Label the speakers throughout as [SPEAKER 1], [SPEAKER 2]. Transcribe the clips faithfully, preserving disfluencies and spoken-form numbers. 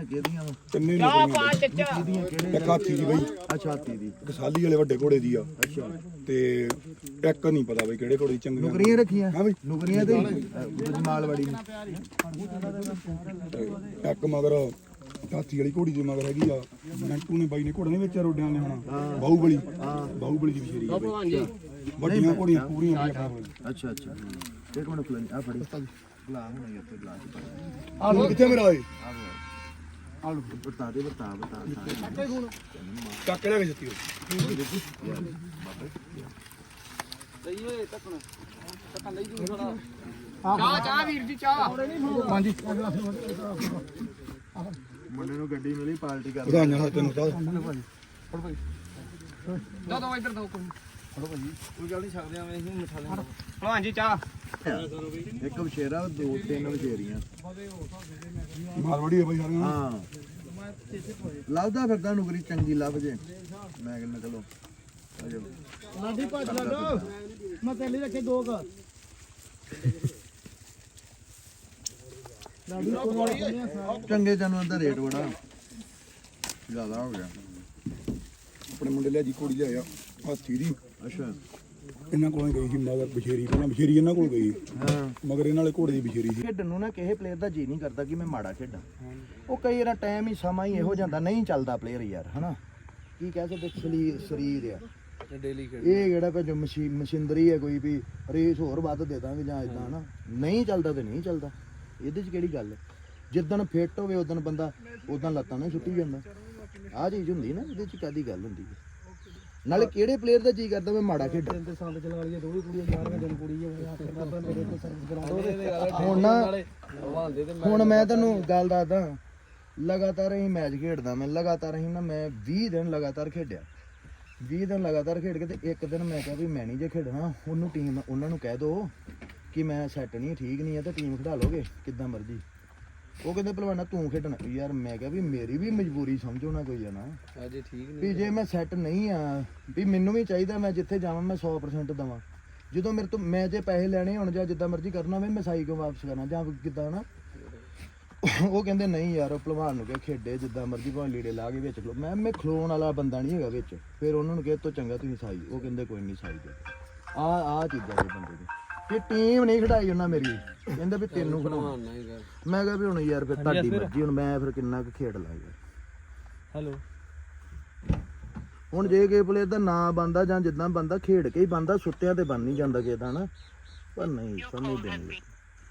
[SPEAKER 1] ਕਿਹੜੀਆਂ ਕਿਹੜੀਆਂ ਵਾ
[SPEAKER 2] ਤਿੰਨੇ
[SPEAKER 3] ਚਾਹ ਪਾ ਚੱਚਾ
[SPEAKER 1] ਕਿਹੜੀਆਂ ਕਿਹੜੇ
[SPEAKER 2] ਇੱਕ ਹਾਥੀ ਦੀ ਬਈ
[SPEAKER 1] ਅੱਛਾ ਹਾਥੀ ਦੀ
[SPEAKER 2] ਇੱਕ ਸਾਲੀ ਵਾਲੇ ਵੱਡੇ ਘੋੜੇ ਦੀ ਆ
[SPEAKER 1] ਅੱਛਾ
[SPEAKER 2] ਤੇ ਇੱਕ ਨਹੀਂ ਪਤਾ ਬਈ ਕਿਹੜੇ ਘੋੜੇ ਦੀ ਚੰਗੀਆਂ
[SPEAKER 1] ਨੁਕਰੀਆਂ ਰੱਖੀਆਂ
[SPEAKER 2] ਹਾਂ ਬਈ
[SPEAKER 1] ਨੁਕਰੀਆਂ ਤੇ ਮਾਲਵਾੜੀ ਨੂੰ
[SPEAKER 2] ਤੇ ਇੱਕ ਮਗਰ ਹਾਥੀ ਵਾਲੀ ਘੋੜੀ ਦੇ ਮਗਰ ਹੈਗੀ ਆ ਨੰਟੂ ਨੇ ਬਾਈ ਨੇ ਘੋੜਾ ਨਹੀਂ ਵੇਚਿਆ ਰੋਡਿਆਂ ਨੇ ਹੁਣ ਬਾਹੂਬਲੀ ਬਾਹੂਬਲੀ ਦੀ ਵਿਸ਼ੇਰੀ ਆ ਬਈ। ਵੱਡੀਆਂ ਘੋੜੀਆਂ ਪੂਰੀਆਂ ਨੇ ਆਪਣੇ ਕੋਲ।
[SPEAKER 1] ਅੱਛਾ ਅੱਛਾ ਇੱਕ ਮਿੰਟ ਫਲਾਈ ਆ ਫੜੀ ਗਲਾ ਹੋਣਾ ਇੱਥੇ ਗਲਾ ਚ
[SPEAKER 2] ਆ ਲੋ ਕਿੱਥੇ ਮੇਰਾ ਓਏ
[SPEAKER 1] ਆ ਲੋ ਬਤਾ ਦੇ ਬਤਾ ਬਤਾ
[SPEAKER 2] ਚੱਕ ਲੈ ਕੇ ਜੱਤੀ
[SPEAKER 3] ਚਾਹ ਚਾਹ ਵੀਰ ਜੀ ਚਾਹ
[SPEAKER 2] ਹਾਂਜੀ
[SPEAKER 1] ਮੁੰਡੇ ਨੂੰ ਗੱਡੀ ਮਿਲੀ ਪਾਰਟੀ ਕਰ
[SPEAKER 2] ਵਧਾਈਆਂ ਹਾਂ ਤੈਨੂੰ ਤਾਂ
[SPEAKER 3] ਦੋ ਦੋ ਇੱਧਰ ਦੋ ਕੋਈ
[SPEAKER 1] ਕੋਈ ਗੱਲ ਨਹੀਂ ਸਕਦੇ ਆਵੇਂ ਅਸੀਂ ਮਿਠਾ ਲੈਣਾ
[SPEAKER 3] ਭਲਵਾਨ ਜੀ ਚਾਹ
[SPEAKER 1] ਇੱਕ ਵਛੇਰਾ ਦੋ ਤਿੰਨ ਵਛੇਰੀਆਂ
[SPEAKER 2] ਮਾਰਵਾੜੀ ਆ ਬਈ ਸਾਰੀਆਂ
[SPEAKER 1] ਹਾਂ ਲੱਭਦਾ ਫਿਰਦਾ ਨੁਕਰੀ ਚੰਗੀ ਲੱਭ ਜੇ ਮੈਂ ਕਹਿੰਦਾ ਚਲੋ ਆਜੋ
[SPEAKER 4] ਲਾਡੀ ਭੱਜ ਲੱਡੋ ਮੈਂ ਪਹਿਲੇ ਰੱਖੇ ਦੋ ਘਰ
[SPEAKER 1] ਚੰਗੇ ਜਾਨਵਰ ਦਾ ਰੇਟ ਬੜਾ ਜ਼ਿਆਦਾ ਹੋ ਗਿਆ
[SPEAKER 2] ਆਪਣੇ ਮੁੰਡੇ ਲਿਆ ਜੀ ਘੋੜੀ ਲਿਆਇਆ ਹਾਥੀ ਦੀ
[SPEAKER 1] ਅੱਛਾ
[SPEAKER 2] ਇਹਨਾਂ ਕੋਲੋਂ ਗਈ ਸੀ ਮਗਰ ਬਸ਼ੇਰੀ ਪਹਿਲਾਂ ਬਸ਼ੇਰੀ ਇਹਨਾਂ ਕੋਲ ਗਈ
[SPEAKER 1] ਹਾਂ
[SPEAKER 2] ਮਗਰ ਇਹਨਾਂ ਵਾਲੇ ਘੋੜੇ ਦੀ ਬਸ਼ੇਰੀ ਸੀ
[SPEAKER 1] ਖੇਡਣ ਨੂੰ ਨਾ ਕਿਸੇ ਪਲੇਅਰ ਦਾ ਜੀ ਨਹੀਂ ਕਰਦਾ ਕਿ ਮੈਂ ਮਾੜਾ ਖੇਡਾਂ ਉਹ ਕਈ ਵਾਰ ਟਾਈਮ ਹੀ ਸਮਾਂ ਹੀ ਇਹੋ ਜਾਂਦਾ ਨਹੀਂ ਚੱਲਦਾ ਪਲੇਅਰ ਯਾਰ ਹਨਾ ਕੀ ਕਹਿ ਸਕਦੇ ਸਰੀਰ ਸਰੀਰ ਆ
[SPEAKER 3] ਡੇਲੀ ਖੇਡ
[SPEAKER 1] ਇਹ ਕਿਹੜਾ ਭਜੋ ਮਸ਼ੀਨਰੀ ਹੈ ਕੋਈ ਵੀ ਰੇਸ ਹੋਰ ਵੱਧ ਦੇ ਦਾਂਗੇ ਜਾਂ ਇਦਾਂ ਹਨਾ ਨਹੀਂ ਚੱਲਦਾ ਤੇ ਨਹੀਂ ਚੱਲਦਾ ਇਹਦੇ 'ਚ ਕਿਹੜੀ ਗੱਲ ਹੈ ਜਿੱਦਣ ਫਿੱਟ ਹੋਵੇ ਉਦੋਂ ਬੰਦਾ ਉਦੋਂ ਲੱਤਾਂ ਨਾਲ ਛੁੱਟੀ ਜਾਂਦਾ ਆਹ ਚੀਜ਼ ਹੁੰਦੀ ਨਾ ਇਹਦੇ 'ਚ ਕਾਦੀ ਗੱਲ ਹੁੰਦੀ ਹੈ ਨਾਲੇ ਕਿਹੜੇ ਪਲੇਅਰ ਦਾ ਜੀ ਕਰਦਾ ਮੈਂ ਮਾੜਾ ਖੇਡਾਂ
[SPEAKER 4] ਤੇ ਸੰਦ ਚਲਾ ਲਈਏ ਦੋ ਹੀ ਕੁੜੀਆਂ ਗਿਆਰਵੇਂ ਦਿਨ ਕੁੜੀ ਹੈ ਆ ਕੇ ਬਾਬਾ ਮੇਰੇ ਕੋਲ ਸਰਵਿਸ ਕਰਾ ਦੋ
[SPEAKER 1] ਹੁਣ ਨਾ ਹੁਣ ਮੈਂ ਤੈਨੂੰ ਗੱਲ ਦੱਸਦਾ ਲਗਾਤਾਰ ਹੀ ਮੈਚ ਖੇਡਦਾ ਮੈਂ ਲਗਾਤਾਰ ਹੀ ਨਾ ਮੈਂ ਵੀਹ ਦਿਨ ਲਗਾਤਾਰ ਖੇਡਿਆ ਵੀਹ ਦਿਨ ਲਗਾਤਾਰ ਖੇਡ ਕੇ ਤੇ ਇੱਕ ਦਿਨ ਮੈਂ ਕਿਹਾ ਵੀ ਮੈਂ ਨਹੀਂ ਜੇ ਖੇਡਣਾ ਉਹਨੂੰ ਟੀਮ ਉਹਨਾਂ ਨੂੰ ਕਹਿ ਦੋ ਕਿ ਮੈਂ ਸੈੱਟ ਨਹੀਂ ਠੀਕ ਨਹੀਂ ਹੈ ਤੇ ਟੀਮ ਖਿਡਾ ਲੋਗੇ ਕਿੱਦਾਂ ਮਰਜੀ ਉਹ ਕਹਿੰਦੇ ਭਲਵਾਨਾ ਤੂੰ ਖੇਡਣਾ ਯਾਰ ਮੈਂ ਕਿਹਾ ਵੀ ਮੇਰੀ ਵੀ ਮਜਬੂਰੀ ਸਮਝੋ ਨਾ ਕੋਈ ਆ ਨਾ
[SPEAKER 3] ਅਜੇ ਠੀਕ ਨਹੀਂ
[SPEAKER 1] ਵੀ ਜੇ ਮੈਂ ਸੈੱਟ ਨਹੀਂ ਆ ਵੀ ਮੈਨੂੰ ਵੀ ਚਾਹੀਦਾ ਮੈਂ ਜਿੱਥੇ ਜਾਵਾਂ ਮੈਂ ਸੌ ਪਰਸੈਂਟ ਦਵਾਂ ਜਦੋਂ ਮੇਰੇ ਤੋਂ ਮੈਂ ਜੇ ਪੈਸੇ ਲੈਣੇ ਹੁਣ ਜਾਂ ਜਿੱਦਾਂ ਮਰਜ਼ੀ ਕਰਨਾ ਹੋਵੇ ਮੈਂ ਸਾਈ ਕਿਉਂ ਵਾਪਸ ਕਰਨਾ ਜਾਂ ਕਿੱਦਾਂ ਨਾ ਉਹ ਕਹਿੰਦੇ ਨਹੀਂ ਯਾਰ ਉਹ ਭਲਵਾਨ ਨੂੰ ਕਿਹਾ ਖੇਡੇ ਜਿੱਦਾਂ ਮਰਜ਼ੀ ਭਾਵੇਂ ਲੀੜੇ ਲਾ ਕੇ ਵਿੱਚ ਖਲੋ ਮੈਂ ਮੈਂ ਖਲੋਣ ਵਾਲਾ ਬੰਦਾ ਨਹੀਂ ਹੈਗਾ ਵਿੱਚ ਫਿਰ ਉਹਨਾਂ ਨੂੰ ਕਿਹਾ ਤੋਂ ਚੰਗਾ ਤੁਸੀਂ ਸਾਈ ਉਹ ਕਹਿੰਦੇ ਕੋਈ ਨਹੀਂ ਸਾਈ ਦੇ ਆ ਆ ਚੀਜ਼ਾਂ ਦੇ ਬੰਦੇ ਦੇ ਤੇ ਟੀਮ ਨਹੀਂ ਖੜਾਈ ਉਹਨਾਂ ਮੇਰੀ ਕਹਿੰਦੇ ਵੀ ਤੈਨੂੰ ਖੜਾਉਣਾ ਮੈਂ ਕਿਹਾ ਵੀ ਹੁਣ ਯਾਰ ਫਿਰ ਤੁਹਾਡੀ ਮਰਜ਼ੀ ਹੁਣ ਮੈਂ ਫਿਰ ਕਿੰਨਾ ਕੁ ਖੇਡ ਲਾ ਯਾਰ
[SPEAKER 4] ਹੈਲੋ
[SPEAKER 1] ਹੁਣ ਜੇ ਕਿਸੇ ਪਲੇਅਰ ਦਾ ਨਾਂ ਬੰਦਾ ਜਾਂ ਜਿੱਦਾਂ ਬੰਦਾ ਖੇਡ ਕੇ ਹੀ ਬੰਦਾ ਸੁੱਤਿਆਂ ਤੇ ਬਣ ਨਹੀਂ ਜਾਂਦਾ ਕਿਸੇ ਦਾ ਨਾ ਪਰ ਨਹੀਂ ਸਮਝਦੇ ਨਹੀਂ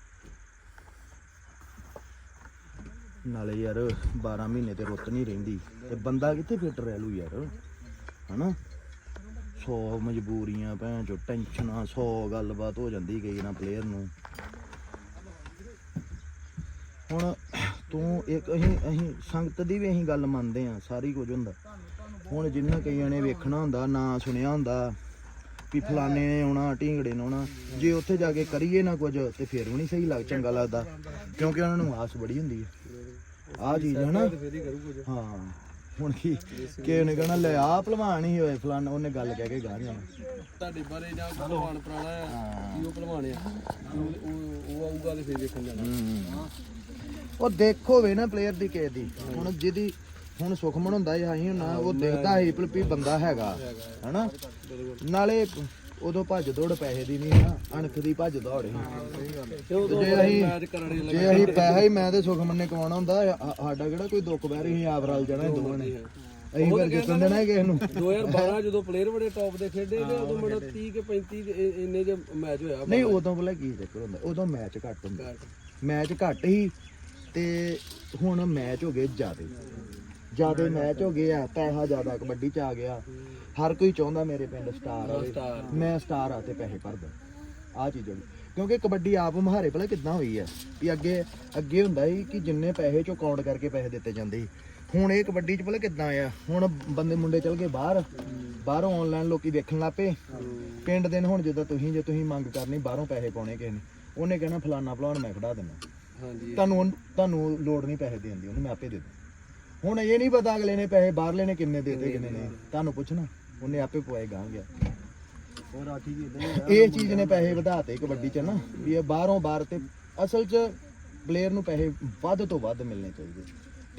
[SPEAKER 1] ਨਾਲੇ ਯਾਰ ਬਾਰਾਂ ਮਹੀਨੇ ਤੇ ਰੁੱਤ ਨਹੀਂ ਰਹਿੰਦੀ ਤੇ ਬੰਦਾ ਕਿੱਥੇ ਫਿੱਟ ਰਹਿ ਲੂ ਯਾਰ ਹਨਾ ਸੌ ਮਜਬੂਰੀਆਂ ਭੈਣ ਚੋ ਟੈਨਸ਼ਨਾਂ ਸੌ ਗੱਲਬਾਤ ਹੋ ਜਾਂਦੀ ਕਈ ਨਾ ਪਲੇਅਰ ਨੂੰ ਹੁਣ ਤੂੰ ਇੱਕ ਅਸੀਂ ਅਸੀਂ ਸੰਗਤ ਦੀ ਵੀ ਅਸੀਂ ਗੱਲ ਮੰਨਦੇ ਆ ਸਾਰੀ ਕੁਝ ਹੁੰਦਾ ਹੁਣ ਜਿੰਨਾ ਕਈਆਂ ਨੇ ਵੇਖਣਾ ਹੁੰਦਾ ਨਾ ਸੁਣਿਆ ਹੁੰਦਾ ਵੀ ਫਲਾਣੇ ਨੇ ਆਉਣਾ ਢੀਂਗੜੇ ਨੇ ਆਉਣਾ ਜੇ ਉੱਥੇ ਜਾ ਕੇ ਕਰੀਏ ਨਾ ਕੁਝ ਤੇ ਫਿਰ ਵੀ ਨਹੀਂ ਸਹੀ ਲੱਗ ਚੰਗਾ ਲੱਗਦਾ ਕਿਉਂਕਿ ਉਹਨਾਂ ਨੂੰ ਆਸ ਬੜੀ ਹੁੰਦੀ ਹੈ ਆਹ ਚੀਜ਼ ਹੈ ਨਾ ਹਾਂ ਹੁਣ ਕੀ ਕਿ ਉਹਨੇ ਕਹਿਣਾ ਲੈ ਆ ਭਲਵਾਨ ਹੀ ਹੋਏ ਫਲਾਣ ਉਹਨੇ ਗੱਲ ਕਹਿ ਕੇ ਗਾ ਜਾਣਾ
[SPEAKER 3] ਤੁਹਾਡੇ ਬਾਰੇ ਜਾਂ ਭਲਵਾਨ ਪੁਰਾਣਾ ਆ ਕੀ ਉਹ ਭਲਵਾਨ ਆ ਉਹ ਉਹ ਆਊਗਾ ਤੇ ਫੇਰ ਵੇਖਣ ਜਾਣਾ
[SPEAKER 1] ਉਹ ਦੇਖੋ ਵੇ ਨਾ ਪਲੇਅਰ ਦੀ ਕਿਸੇ ਦੀ ਹੁਣ ਜਿਹਦੀ ਹੁਣ ਸੁਖਮਨ ਹੁੰਦਾ ਸੀ ਅਸੀਂ ਨਾ ਉਹ ਦੇਖਦਾ ਸੀ ਵੀ ਬੰਦਾ ਹੈਗਾ ਹਨਾ ਨਾਲੇ ਉਦੋਂ ਭੱਜ ਦੌੜ ਪੈਸੇ ਦੀ ਨਹੀਂ ਨਾ ਅਣਖ ਦੀ ਭੱਜ ਦੌੜ ਸੀ ਜੇ ਅਸੀਂ ਜੇ ਅਸੀਂ ਪੈਸਾ ਹੀ ਮੈਂ ਤੇ ਸੁਖਮਨ ਨੇ ਕਮਾਉਣਾ ਹੁੰਦਾ ਸਾਡਾ ਕਿਹੜਾ ਕੋਈ ਦੁੱਖ ਬਹਿ ਰਹੀ ਆਪ ਰਲ ਜਾਣਾ ਦੋਵਾਂ ਨੇ ਅਸੀਂ ਫਿਰ ਜਿੱਤਣ ਦੇਣਾ ਕਿਸੇ ਨੂੰ
[SPEAKER 3] ਦੋ ਹਜ਼ਾਰ ਬਾਰਾਂ ਜਦੋਂ ਪਲੇਅਰ ਬੜੇ ਟੌਪ ਦੇ ਖੇਡੇ ਤੇ ਉਦੋਂ ਮੇਰਾ ਤੀਹ ਕੇ ਪੈਂਤੀ ਇੰਨੇ ਜੇ ਮੈਚ ਹੋਇਆ
[SPEAKER 1] ਨਹੀਂ ਉਦੋਂ ਪਹਿਲਾਂ ਕੀ ਚੱਕਰ ਹੁੰਦਾ ਉਦੋਂ ਮੈਚ ਘੱਟ ਹੁੰਦਾ ਮੈਚ ਘੱਟ ਹੀ ਤੇ ਹੁਣ ਮੈਚ ਹੋ ਗਏ ਜ਼ਿਆਦੇ ਜ਼ਿਆਦੇ ਮੈਚ ਹੋ ਗਏ ਆ ਪੈਸਾ ਜ਼ਿਆਦਾ ਕਬੱਡੀ ਚ ਆ ਗਿਆ ਹਰ ਕੋਈ ਚਾਹੁੰਦਾ ਮੇਰੇ ਪਿੰਡ ਸਟਾਰ ਹੋਵੇ ਮੈਂ ਸਟਾਰ ਆ ਤੇ ਪੈਸੇ ਭਰਦਾ ਆਹ ਚੀਜ਼ਾਂ ਕਿਉਂਕਿ ਕਬੱਡੀ ਆਪ ਮਹਾਰੇ ਭਲਾ ਕਿੱਦਾਂ ਹੋਈ ਆ ਵੀ ਅੱਗੇ ਅੱਗੇ ਹੁੰਦਾ ਸੀ ਕਿ ਜਿੰਨੇ ਪੈਸੇ ਚੋਂ ਕਾਊਂਟ ਕਰਕੇ ਪੈਸੇ ਦਿੱਤੇ ਜਾਂਦੇ ਸੀ ਹੁਣ ਇਹ ਕਬੱਡੀ ਚ ਭਲਾ ਕਿੱਦਾਂ ਆ ਹੁਣ ਬੰਦੇ ਮੁੰਡੇ ਚਲ ਗਏ ਬਾਹਰ ਬਾਹਰੋਂ ਆਨਲਾਈਨ ਲੋਕੀ ਦੇਖਣ ਲੱਪੇ ਪਿੰਡ ਦੇ ਹੁਣ ਜਿੱਦਾਂ ਤੁਸੀਂ ਜੇ ਤੁਸੀਂ ਮੰਗ ਕਰਨੀ ਬਾਹਰੋਂ ਪੈਸੇ ਪਾਉਣੇ ਕਿਸੇ ਨੇ ਉਹਨੇ ਕਹਿਣਾ ਫਲਾਨਾ ਭਲਾਉਣ ਮੈਂ ਖੜਾ ਦਿੰਦਾ ਹਾਂਜੀ ਤੁਹਾਨੂੰ ਤੁਹਾਨੂੰ ਲੋੜ ਨਹੀਂ ਪੈਸੇ ਦੇਣ ਦੀ ਉਹਨੂੰ ਮੈਂ ਆਪੇ ਦੇ ਦੂੰ ਹੁਣ ਇਹ ਨਹੀਂ ਪਤਾ ਅਗਲੇ ਨੇ ਪੈਸੇ ਬਾਹਰਲੇ ਨੇ ਕਿੰਨੇ ਦੇਤੇ ਕਿੰਨੇ ਨੇ ਤੁਹਾਨੂੰ ਪੁੱਛਣਾ ਉਹਨੇ ਆਪੇ ਪਵਾਏ ਗਾਂ ਗਿਆ
[SPEAKER 4] ਹੋਰ ਆਖੀ ਜੀ
[SPEAKER 1] ਇਹ ਚੀਜ਼ ਨੇ ਪੈਸੇ ਵਧਾਤੇ ਕਬੱਡੀ ਚ ਨਾ ਵੀ ਇਹ ਬਾਹਰੋਂ ਬਾਹਰ ਤੇ ਅਸਲ ਚ ਪਲੇਅਰ ਨੂੰ ਪੈਸੇ ਵੱਧ ਤੋਂ ਵੱਧ ਮਿਲਣੇ ਚਾਹੀਦੇ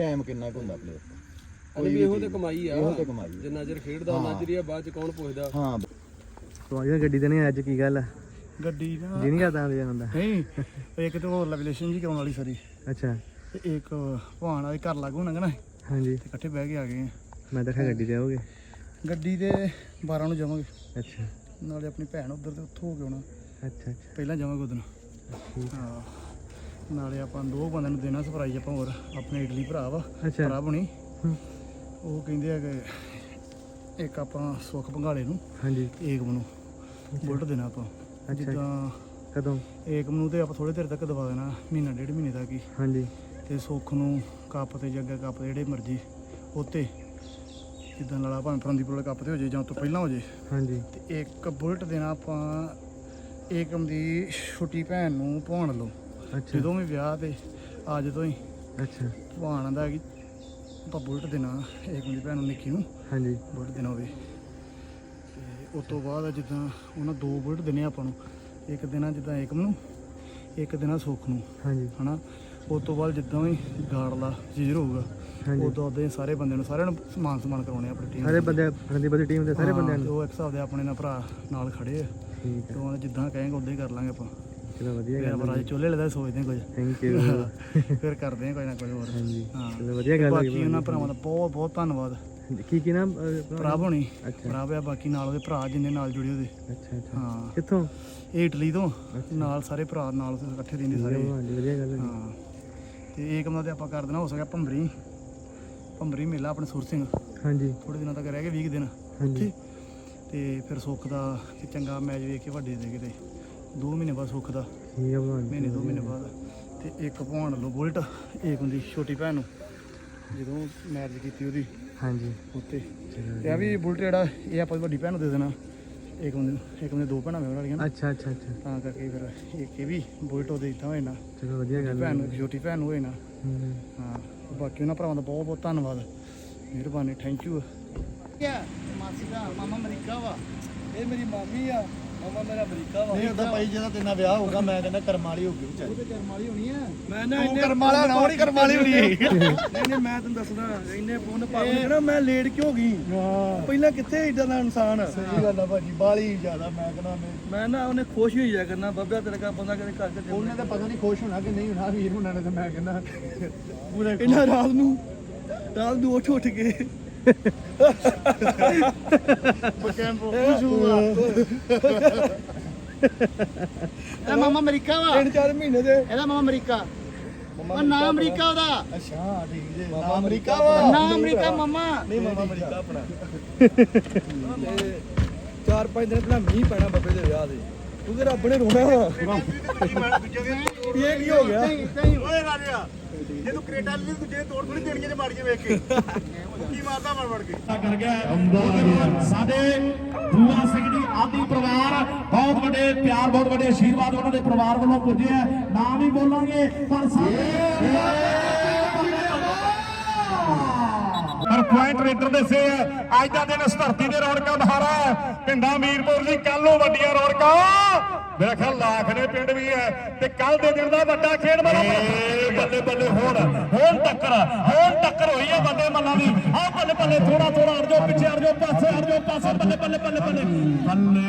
[SPEAKER 1] ਟਾਈਮ ਕਿੰਨਾ ਕੁ ਹੁੰਦਾ ਪਲੇਅਰ
[SPEAKER 3] ਅਰੇ ਵੀ ਇਹੋ ਤੇ ਕਮਾਈ ਆ
[SPEAKER 1] ਇਹੋ ਤੇ ਕਮਾਈ ਆ।
[SPEAKER 3] ਜਿੰਨਾ ਚਿਰ ਖੇਡਦਾ ਉਹਨਾਂ ਚਿਰ ਹੀ ਆ, ਬਾਅਦ ਚ ਕੌਣ ਪੁੱਛਦਾ।
[SPEAKER 1] ਹਾਂ
[SPEAKER 4] ਤੁਹਾਡੀ ਗੱਡੀ ਤੇ ਨਹੀਂ ਅੱਜ ਕੀ ਗੱਲ ਆ?
[SPEAKER 2] ਗੱਡੀ ਨਾ
[SPEAKER 4] ਜੀ ਨਹੀਂ ਕਰਦਾ ਆਉਂਦੇ ਹੁੰਦਾ।
[SPEAKER 2] ਨਹੀਂ ਇੱਕ ਤੇ ਹੋਰ ਲੈਵਲੇਸ਼ਨ ਜੀ ਕਰਾਉਣ ਵਾਲੀ ਸਾਰੀ,
[SPEAKER 4] ਅੱਛਾ
[SPEAKER 2] ਤੇ ਇੱਕ ਭਾਣ ਵਾਲੇ ਘਰ ਲਾਗੂ ਹੋਣਾ ਨਾ, ਤੇ
[SPEAKER 4] ਹਾਂਜੀ
[SPEAKER 2] ਇਕੱਠੇ ਬਹਿ ਕੇ ਆ ਗਏ ਆ।
[SPEAKER 4] ਮੈਂ ਦੇਖਿਆ ਗੱਡੀ ਤੇ ਆਓਗੇ।
[SPEAKER 2] ਗੱਡੀ ਦੇ ਬਾਰਾਂ ਨੂੰ ਜਾਵਾਂਗੇ,
[SPEAKER 4] ਅੱਛਾ
[SPEAKER 2] ਨਾਲੇ ਆਪਣੀ ਭੈਣ ਉੱਧਰ ਤੇ ਉੱਥੋਂ ਹੋ ਕੇ ਆਉਣਾ,
[SPEAKER 4] ਅੱਛਾ ਅੱਛਾ
[SPEAKER 2] ਪਹਿਲਾਂ ਜਾਵਾਂਗੇ ਉਦੋਂ। ਹਾਂ ਨਾਲੇ ਆਪਾਂ ਦੋ ਬੰਦਿਆਂ ਨੂੰ ਦੇਣਾ ਸਰਪ੍ਰਾਈਜ਼ ਆਪਾਂ, ਹੋਰ ਆਪਣੇ ਇਟਲੀ ਭਰਾ ਵਾ
[SPEAKER 4] ਅੱਛਾ
[SPEAKER 2] ਭਰਾ ਬਣੀ,
[SPEAKER 4] ਹੂੰ।
[SPEAKER 2] ਉਹ ਕਹਿੰਦੇ ਆ ਕਿ ਇੱਕ ਆਪਾਂ ਸੁੱਖ ਭੰਗਾਲੇ ਨੂੰ,
[SPEAKER 4] ਹਾਂਜੀ
[SPEAKER 2] ਏਕਮ ਨੂੰ ਬੁਲਟ ਦੇਣਾ ਆਪਾਂ।
[SPEAKER 4] ਅੱਛਾ
[SPEAKER 2] ਜਿੱਦਾਂ
[SPEAKER 4] ਕਦੋਂ?
[SPEAKER 2] ਏਕਮ ਨੂੰ ਤੇ ਆਪਾਂ ਥੋੜੇ ਦੇਰ ਤੱਕ ਦਵਾ ਦੇਣਾ, ਮਹੀਨਾ ਡੇਢ ਮਹੀਨੇ ਤੱਕ ਹੀ,
[SPEAKER 4] ਹਾਂਜੀ
[SPEAKER 2] ਤੇ ਸੁੱਖ ਨੂੰ ਕੱਪ ਤੇ ਜੱਗਾ ਕੱਪ ਜਿਹੜੇ ਮਰਜ਼ੀ ਉੱਤੇ ਜਿੱਦਾਂ ਲਾਲਾ ਭਾਵੇਂ ਫਰੰਦੀਪੁਰ ਵਾਲੇ ਕੱਪ ਤੇ ਹੋ ਜੇ ਜਾਂ ਉਹ ਤੋਂ ਪਹਿਲਾਂ ਹੋ ਜੇ,
[SPEAKER 4] ਹਾਂਜੀ
[SPEAKER 2] ਤੇ ਇੱਕ ਬੁਲਟ ਦੇਣਾ ਆਪਾਂ ਏਕਮ ਦੀ ਛੋਟੀ ਭੈਣ ਨੂੰ ਭਾਣ ਲਓ।
[SPEAKER 4] ਅੱਛਾ
[SPEAKER 2] ਜਦੋਂ ਵੀ ਵਿਆਹ ਤੇ ਅੱਜ ਤੋਂ ਹੀ
[SPEAKER 4] ਅੱਛਾ
[SPEAKER 2] ਭਾਣ ਦਾ ਕਿ ਆਪਾਂ ਬੁਲਟ ਦੇਣਾ ਏਕਮ ਦੀ ਭੈਣ ਨੂੰ, ਨਿੱਕੀ ਨੂੰ
[SPEAKER 4] ਹਾਂਜੀ
[SPEAKER 2] ਬੁਲਟ ਦੇਣਾ ਹੋਵੇ। ਤੇ ਉਸ ਤੋਂ ਬਾਅਦ ਜਿੱਦਾਂ ਉਹਨਾਂ ਦੋ ਬੁਲਟ ਦੇਣੇ ਆਪਾਂ ਨੂੰ, ਇੱਕ ਦਿਨਾਂ ਜਿੱਦਾਂ ਏਕਮ ਨੂੰ, ਇੱਕ ਦਿਨਾਂ ਸੁੱਖ ਨੂੰ,
[SPEAKER 4] ਹਾਂਜੀ
[SPEAKER 2] ਹਨਾ। ਉਸ ਤੋਂ ਬਾਅਦ ਜਿੱਦਾਂ ਵੀ ਗਾੜਲਾ ਜ਼ੀਰ ਹੋਊਗਾ,
[SPEAKER 4] ਹਾਂਜੀ
[SPEAKER 2] ਉਦੋਂ ਉਦੋਂ ਸਾਰੇ ਬੰਦਿਆਂ ਨੂੰ ਸਾਰਿਆਂ ਨੂੰ ਸਮਾਨ ਸਮਾਨ ਕਰਾਉਣੇ ਆਪਣੀ ਟੀਮ
[SPEAKER 4] ਸਾਰੇ ਬੰਦੇ ਫਰੰਦੀ ਬੰਦੀ ਟੀਮ ਦੇ ਸਾਰੇ ਬੰਦਿਆਂ ਨੂੰ।
[SPEAKER 2] ਉਹ ਇੱਕ ਹਿਸਾਬ ਦੇ ਆਪਣੇ ਨਾਲ ਭਰਾ ਨਾਲ ਖੜੇ ਆ,
[SPEAKER 4] ਠੀਕ
[SPEAKER 2] ਤੇ
[SPEAKER 4] ਹੈ
[SPEAKER 2] ਉਹਨਾਂ ਜਿੱਦਾਂ ਕਹੇਂਗੇ ਉਦਾਂ ਹੀ ਕਰ ਲਾਂਗੇ ਆਪਾਂ।
[SPEAKER 4] ਚਲੋ ਵਧੀਆ
[SPEAKER 2] ਫਿਰ
[SPEAKER 4] ਗੱਲ
[SPEAKER 2] ਆਪਾਂ ਰਾਜ ਚੋਲੇ ਲੈਦਾ ਸੋਚਦੇ ਹਾਂ ਕੁਝ,
[SPEAKER 4] ਥੈਂਕ ਯੂ
[SPEAKER 2] ਫਿਰ ਕਰਦੇ ਹਾਂ ਕੁਝ ਨਾ ਕੁਝ ਹੋਰ।
[SPEAKER 4] ਹਾਂਜੀ
[SPEAKER 2] ਹਾਂ
[SPEAKER 4] ਚਲੋ ਵਧੀਆ ਗੱਲ
[SPEAKER 2] ਬਾਕੀ
[SPEAKER 4] ਹੋਈ।
[SPEAKER 2] ਉਹਨਾਂ ਭਰਾਵਾਂ ਦਾ ਬਹੁਤ ਬਹੁਤ ਧੰਨਵਾਦ।
[SPEAKER 4] ਕੀ ਕੀ ਨਾਮ
[SPEAKER 2] ਭਰਾ ਹੋਣੀ
[SPEAKER 4] ਅੱਛਾ
[SPEAKER 2] ਭਰਾ ਆ, ਬਾਕੀ ਨਾਲ ਉਹਦੇ ਭਰਾ ਜਿੰਨੇ ਨਾਲ ਜੁੜੇ ਉਹਦੇ।
[SPEAKER 4] ਅੱਛਾ ਅੱਛਾ
[SPEAKER 2] ਹਾਂ
[SPEAKER 4] ਕਿੱਥੋਂ?
[SPEAKER 2] ਇਹ ਇਟਲੀ ਤੋਂ ਨਾਲ ਸਾਰੇ ਭਰਾ ਨਾਲ ਇਕੱਠੇ ਰਹਿੰਦੇ ਸਾਰੇ।
[SPEAKER 4] ਹਾਂਜੀ ਵਧੀਆ ਗੱਲ ਹੈ।
[SPEAKER 2] ਹਾਂ ਤੇ ਏਕਮ ਦਾ ਤੇ ਆਪਾਂ ਕਰ ਦੇਣਾ ਹੋ ਸਕਿਆ ਭੰਬਰੀ ਭੰਬਰੀ ਮੇਲਾ ਆਪਣੇ ਸੁਰ ਸਿੰਘ,
[SPEAKER 4] ਹਾਂਜੀ
[SPEAKER 2] ਥੋੜੇ ਦਿਨਾਂ ਤੱਕ ਰਹਿ ਗਏ ਵੀਹ ਦਿਨ
[SPEAKER 4] ਹਾਂਜੀ
[SPEAKER 2] ਉੱਥੇ। ਤੇ ਫਿਰ ਸੁੱਖ ਦਾ ਤੇ ਚੰਗਾ ਮੈਚ ਵੇਖ ਕੇ ਵੱਡੇ ਦੇ ਕਿਤੇ ਦੋ ਮਹੀਨੇ ਬਾਅਦ ਸੁੱਖ ਦਾ,
[SPEAKER 4] ਠੀਕ ਹੈ ਭਗਵਾਨ
[SPEAKER 2] ਮਹੀਨੇ ਦੋ ਮਹੀਨੇ ਬਾਅਦ। ਤੇ ਇੱਕ ਭਾਣ ਲਓ ਬੁਲਟ ਏਕਮ ਦੀ ਛੋਟੀ ਭੈਣ ਨੂੰ, ਜਦੋਂ ਮੈਰਿਜ ਕੀਤੀ ਉਹਦੀ
[SPEAKER 4] ਹਾਂਜੀ
[SPEAKER 2] ਉੱਤੇ।
[SPEAKER 4] ਚਲੋ
[SPEAKER 2] ਤੇ ਆ ਵੀ ਬੁਲਟ ਜਿਹੜਾ ਇਹ ਆਪਾਂ ਵੱਡੀ ਭੈਣ ਨੂੰ ਦੇ ਦੇਣਾ, ਏਕਮ ਦੇ ਏਕਮ ਦੇ ਦੋ ਭੈਣਾਂ ਮੇਰੇ ਵਾਲੀਆਂ ਨਾ,
[SPEAKER 4] ਅੱਛਾ ਅੱਛਾ ਅੱਛਾ
[SPEAKER 2] ਤਾਂ ਕਰਕੇ ਫਿਰ ਇੱਕ ਇਹ ਵੀ ਬੁਲਟ ਉਹਦੇ ਦਿੱਤਾ ਹੋਏ ਨਾ,
[SPEAKER 4] ਚਲੋ ਵਧੀਆ ਗੱਲ ਹੈ।
[SPEAKER 2] ਭੈਣ ਨੂੰ ਛੋਟੀ ਭੈਣ ਨੂੰ ਹੋਏ ਨਾ।
[SPEAKER 4] ਹੂੰ।
[SPEAKER 2] ਹਾਂ ਬਾਕੀ ਉਹਨਾਂ ਭਰਾਵਾਂ ਦਾ ਬਹੁਤ ਬਹੁਤ ਧੰਨਵਾਦ, ਮਿਹਰਬਾਨੀ, ਥੈਂਕ ਯੂ। ਮਾਸੀ ਦਾ ਮਾਮਾ ਅਮਰੀਕਾ ਵਾ,
[SPEAKER 3] ਇਹ ਮੇਰੀ ਮਾਮੀ ਆ, ਮਾਮਾ ਮੇਰਾ ਅਮਰੀਕਾ ਵਾ।
[SPEAKER 1] ਨਹੀਂ ਉਹਦਾ ਭਾਈ ਜਿਹਦਾ ਤੇਨਾਂ ਵਿਆਹ ਹੋਊਗਾ ਮੈਂ ਕਹਿੰਦਾ ਕਰਮ ਵਾਲੀ ਹੋਊਗੀ ਵਿਚਾਰੀ।
[SPEAKER 2] ਉਹਦੇ ਕਰਮ ਵਾਲੀ ਹੋਣੀ ਆ।
[SPEAKER 3] ਮੈਂ ਨਾ
[SPEAKER 1] ਤੂੰ
[SPEAKER 3] ਇੰਨੇ
[SPEAKER 1] ਕਰਮ ਵਾਲਾ ਨਾ ਹੋਣੀ, ਕਰਮ ਵਾਲੀ ਹੋਣੀ
[SPEAKER 3] ਨਹੀਂ ਨਹੀਂ ਮੈਂ ਤੈਨੂੰ ਦੱਸਦਾ, ਇੰਨੇ ਪੁੰਨ ਪਾਪ ਨਾ ਮੈਂ ਲੇਟ ਕਿਉਂ ਗਈ ਪਹਿਲਾਂ, ਕਿੱਥੇ ਇਦਾਂ ਦਾ ਇਨਸਾਨ।
[SPEAKER 1] ਸਹੀ ਗੱਲ ਆ ਭਾਜੀ, ਬਾਲੀ ਜ਼ਿਆਦਾ ਮੈਂ ਕਹਿੰਦਾ ਮੈਂ
[SPEAKER 3] ਮੈਂ ਨਾ ਉਹਨੇ ਖੁਸ਼ ਹੋਈ ਜਾ ਕਰਨਾ, ਬੱਬਿਆ ਤੇਰੇ ਕਾ ਬੰਦਾ ਕਦੇ ਘਰ ਚ
[SPEAKER 1] ਉਹਨੇ ਤਾਂ ਪਤਾ ਨਹੀਂ ਖੁਸ਼ ਹੋਣਾ ਕਿ ਨਹੀਂ ਹੋਣਾ, ਵੀਰ ਹੁਣਾਂ ਨੇ ਤਾਂ ਮੈਂ ਕਹਿੰਦਾ ਪੂਰੇ
[SPEAKER 3] ਇਹਨਾਂ ਰਾਤ ਨੂੰ ਰਾਤ ਨੂੰ ਉੱਠ ਉੱਠ ਕੇ
[SPEAKER 2] ਕੈਂਪੋ ਖੁਸ਼ ਹੋਊਗਾ। ਇਹਦਾ ਮਾਮਾ ਅਮਰੀਕਾ ਵਾ,
[SPEAKER 3] ਤਿੰਨ ਚਾਰ ਮਹੀਨੇ ਦੇ
[SPEAKER 2] ਇਹਦਾ ਮਾਮਾ ਅਮਰੀਕਾ। ਉਹ ਨਾ ਅਮਰੀਕਾ ਉਹਦਾ,
[SPEAKER 1] ਅੱਛਾ ਠੀਕ ਜੇ ਨਾ ਅਮਰੀਕਾ ਵਾ
[SPEAKER 2] ਨਾ ਅਮਰੀਕਾ ਮਾਮਾ।
[SPEAKER 3] ਨਹੀਂ ਮਾਮਾ ਅਮਰੀਕਾ ਆਪਣਾ। ਤੇ ਚਾਰ ਪੰਜ ਦਿਨ ਪਹਿਲਾਂ ਮੀਂਹ ਪੈਣਾ ਬੱਬੇ ਦੇ ਵਿਆਹ ਦੇ, ਕਿਉਂਕਿ ਰੱਬ ਨੇ ਰੋਣਾ ਵਾ। ਇਹ ਕੀ ਹੋ ਗਿਆ?
[SPEAKER 1] ਓਏ ਰਾਜਾ ਜੇ ਤੂੰ ਕ੍ਰੇਟਾ ਲਈ ਦੂਜੇ ਤੋੜ ਥੋੜੀ ਦੇਣੀਆਂ ਜੇ ਮਾਰੀਆਂ ਵੇਖ ਕੇ ਕੀ ਮਾਰਦਾ ਮੜ ਮੜ ਕੇ
[SPEAKER 5] ਕਰ ਗਿਆ ਸਾਡੇ ਬੂਆ ਸਿੰਘ ਜੀ ਆਦਿ ਪਰਿਵਾਰ, ਬਹੁਤ ਵੱਡੇ ਪਿਆਰ, ਬਹੁਤ ਵੱਡੇ ਆਸ਼ੀਰਵਾਦ ਉਹਨਾਂ ਦੇ ਪਰਿਵਾਰ ਵੱਲੋਂ ਪੁੱਜੇ ਆ। ਨਾਮ ਹੀ ਬੋਲਾਂਗੇ ਪਰ ਪਰ ਪੁਆਇੰਟ ਰੇਡਰ ਦੇ ਸੇ ਅੱਜ ਦਾ ਦਿਨ ਇਸ ਧਰਤੀ ਦੇ ਰੌਣਕਾਂ ਬਹਾਰਾ ਹੈ। ਪਿੰਡਾਂ ਮੀਰਪੁਰ ਦੀ ਕੱਲ ਨੂੰ ਵੱਡੀਆਂ ਰੌਣਕਾਂ, ਮੇਰਾ ਖਿਆਲ ਲੱਖ ਦੇ ਪਿੰਡ ਵੀ ਹੈ, ਤੇ ਕੱਲ ਦੇ ਦਿਨ ਦਾ ਵੱਡਾ ਖੇਡ ਮੇਰਾ ਬੱਲੇ ਬੱਲੇ ਹੋਣ ਹੋਣ ਟੱਕਰ ਹੋਣ ਟੱਕਰ ਹੋਈ ਹੈ ਵੱਡੇ ਮੱਲਾਂ ਦੀ। ਆਹ ਬੱਲੇ ਬੱਲੇ ਥੋੜਾ ਥੋੜਾ ਅੜ ਜਾਓ ਪਿੱਛੇ, ਅੜ ਜਾਓ ਪਾਸੇ, ਅੜ ਜਾਓ ਪਾਸੇ, ਬੱਲੇ ਬੱਲੇ ਬੱਲੇ ਬੱਲੇ ਬੱਲੇ।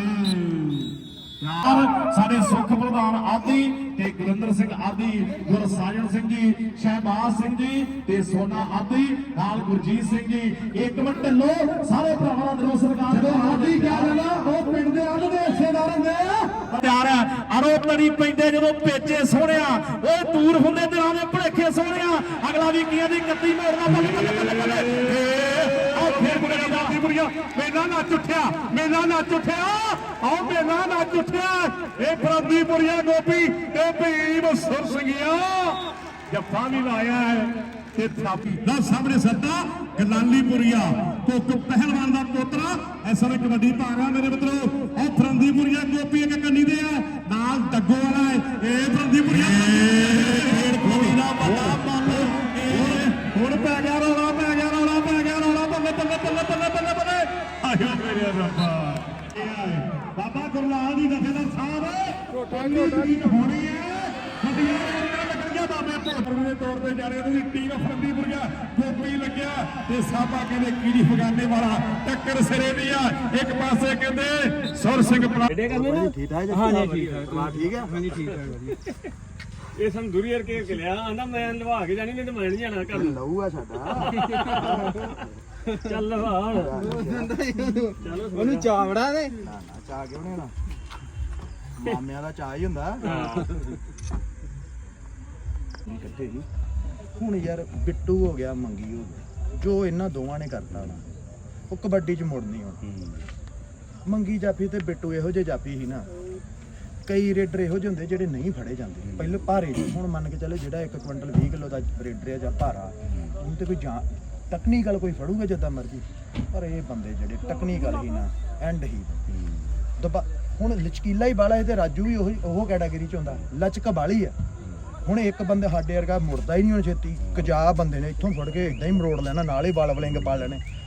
[SPEAKER 5] ਸਾਡੇ ਸੁਖ ਪ੍ਰਧਾਨ ਆਦਿ ਤੇ ਗੁਰਿੰਦਰ ਸਿੰਘ ਆਦਿ, ਗੁਰਸਾਜਣ ਸਿੰਘ ਜੀ, ਸ਼ਹਿਬਾਜ਼ ਸਿੰਘ ਜੀ ਤੇ ਸੋਨਾ ਆਦਿ, ਨਾਲ ਗੁਰਜੀਤ ਸਿੰਘ ਜੀ। ਇੱਕ ਮਿੰਟ ਢਿੱਲੋ, ਸਾਰੇ ਭਰਾਵਾਂ ਦਾ ਦਿਲੋਂ ਸਰਕਾਰ ਜਦੋਂ ਆਦਿ ਕਿਹਾ ਜਾਂਦਾ ਉਹ ਪਿੰਡ ਦੇ ਅੱਧ ਦੇ ਹਿੱਸੇਦਾਰ ਹੁੰਦੇ ਆ। ਪਿਆਰ ਅਰੋ ਤੜੀ ਪੈਂਦੇ ਜਦੋਂ ਪੇਚੇ ਸੋਹਣਿਆ, ਉਹ ਦੂਰ ਹੁੰਦੇ ਦਿਨਾਂ ਦੇ ਭੁਲੇਖੇ ਸੋਹਣਿਆ। ਅਗਲਾ ਵੀ ਕੀਆਂ ਦੀ ਕੱਤੀ ਮੋੜਨਾ ਬੱਲੇ ਬੱਲੇ ਬੱਲੇ ਬੱਲੇ। ਆਹ ਫੇਰ ਬੁੜੀਆਂ ਦਾਦੀ ਬੁੜੀਆਂ ਮੇਲਾ ਨੱਚ ਉੱਠਿਆ, ਮੇਲਾ ਨੱਚ ਉੱਠਿਆ, ਆਹ ਮੇਲਾ ਨੱਚ ਉੱਠਿਆ। ਇਹ ਫਰੰਦੀਪੁਰੀਆ ਗੋਪੀ ਤੇ ਭੀਮ ਸੁਰ ਸਿੰਘਿਆ ਜੱਫਾ ਵੀ ਲਾਇਆ ਹੈ ਤੇ ਥਾਪੀ ਦਾ ਸਾਹਮਣੇ ਸੱਦਾ ਗਲਾਲੀਪੁਰੀਆ ਕੋਕ ਪਹਿਲਵਾਨ ਦਾ ਪੋਤਰਾ ਇਸ ਸਮੇਂ ਕਬੱਡੀ ਪਾ ਰਿਹਾ ਮੇਰੇ ਮਿੱਤਰੋ। ਉਹ ਫਰੰਦੀਪੁਰੀਆ ਗੋਪੀ ਇੱਕ ਕੰਨੀ ਦੇ ਆ, ਨਾਲ ਡੱਗੋ ਵਾਲਾ ਹੈ। ਇਹ ਫਰੰਦੀਪੁਰੀਆ ਖੇਡ ਖੋਲੀ ਦਾ ਵੱਡਾ ਮੱਲ, ਹੁਣ ਪੈ ਗਿਆ ਰੌਲਾ, ਪੈ ਗਿਆ ਰੌਲਾ, ਪੈ ਗਿਆ ਰੌਲਾ, ਬੱਲੇ ਬੱਲੇ ਬੱਲੇ ਬੱਲੇ ਬੱਲੇ ਬੱਲੇ। ਆਇਆ ਮੇਰੇ ਰੱਬਾ, ਬਾਬਾ ਗੁਰਲਾਲ ਦੀ ਦਫੇਦਾਰ ਸਾਹਿਬ ਹੋਣੀ ਹੈ। ਵੱਡੀਆਂ ਰੌਣਕਾਂ ਲੱਗਣੀਆਂ ਬਾਬੇ ਭੋਲਪੁਰ ਦੇ ਤੌਰ ਤੇ ਜਾਣੇ ਉਹਦੀ ਟੀਮ ਫਰੰਦੀਪੁਰੀਆ ਗੋਪੀ ਲੱਗਿਆ ਤੇ ਸਾਬਾ ਕਹਿੰਦੇ ਕੀੜੀ ਫਗਾਨੇ ਵਾਲਾ ਟੱਕਰ ਸਿਰੇ ਦੀ ਆ ਇੱਕ ਪਾਸੇ ਕਹਿੰਦੇ ਸੁਰ ਸਿੰਘ ਪਰਾ
[SPEAKER 3] ਏਡੇ ਕਰਨੇ ਨਾ
[SPEAKER 1] ਠੀਕ ਠਾਕ ਜੀ
[SPEAKER 3] ਹਾਂ ਜੀ ਠੀਕ ਠਾਕ
[SPEAKER 1] ਵਾਹ ਠੀਕ ਆ
[SPEAKER 3] ਹਾਂਜੀ ਠੀਕ ਠਾਕ ਵਧੀਆ ਇਹ ਸਾਨੂੰ ਦੁਰੀਅਰ ਕੇ ਕੇ ਲਿਆ ਆਂਦਾ ਮੈਂ ਲਵਾ ਕੇ ਜਾਣੀ ਨਹੀਂ ਤੇ ਮੈਂ ਨਹੀਂ ਜਾਣਾ ਘਰ ਨੂੰ
[SPEAKER 1] ਲਹੂ ਆ ਸਾਡਾ
[SPEAKER 3] ਚੱਲ ਲਵਾ ਚਲੋ ਉਹਨੂੰ ਚਾਵੜਾ ਦੇ
[SPEAKER 1] ਨਾ ਨਾ ਚਾਹ ਕਿਉਂ ਨਹੀਂ ਹੋਣਾ ਮਾਮਿਆਂ ਦਾ ਚਾਹ ਹੀ ਹੁੰਦਾ ਇਕੱਠੇ ਹੀ ਹੁਣ ਯਾਰ ਬਿੱਟੂ ਹੋ ਗਿਆ ਮੰਗੀ ਹੋ ਗਿਆ ਜੋ ਇਹਨਾਂ ਦੋਵਾਂ ਨੇ ਕਰਤਾ ਨਾ ਉਹ ਕਬੱਡੀ 'ਚ ਮੁੜਨੀ ਹੁਣ ਮੰਗੀ ਜਾਫੀ ਤੇ ਬਿੱਟੂ ਇਹੋ ਜਿਹੇ ਜਾਫੀ ਸੀ ਨਾ ਕਈ ਰੇਡਰ ਇਹੋ ਜਿਹੇ ਹੁੰਦੇ ਜਿਹੜੇ ਨਹੀਂ ਫੜੇ ਜਾਂਦੇ ਪਹਿਲੇ ਭਾਰੇ ਜਿਹੇ। ਹੁਣ ਮੰਨ ਕੇ ਚੱਲੇ ਜਿਹੜਾ ਇੱਕ ਕੁਇੰਟਲ ਵੀਹ ਕਿਲੋ ਦਾ ਰੇਡਰ ਹੈ ਜਾਂ ਭਾਰਾ ਉਹਨੂੰ ਤੇ ਕੋਈ ਜਾਂ ਟੈਕਨੀਕਲ ਕੋਈ ਫੜੂਗਾ ਜਿੱਦਾਂ ਮਰਜ਼ੀ ਪਰ ਇਹ ਬੰਦੇ ਜਿਹੜੇ ਟੈਕਨੀਕਲ ਹੀ ਨਾ ਐਂਡ ਹੀ ਦਬਾ ਹੁਣ ਲਚਕੀਲਾ ਹੀ ਬਾਲਾ ਇਹ ਤੇ ਰਾਜੂ ਵੀ ਉਹੀ ਉਹ ਕੈਟਾਗਰੀ ਚ ਹੁੰਦਾ ਲਚਕ ਬਾਲੀ ਆ ਹੁਣ ਇੱਕ ਬੰਦੇ ਸਾਡੇ ਵਰਗਾ ਮੁੜਦਾ ਹੀ ਨਹੀਂ ਹੁਣ ਛੇਤੀ ਕਜਾ ਬੰਦੇ ਨੇ ਇੱਥੋਂ ਫੜ ਕੇ ਇਦਾਂ ਹੀ ਮਰੋੜ ਲੈਣਾ ਨਾਲ ਹੀ ਬਲ ਬਲਿੰਗ ਪਾ ਲੈਣੇ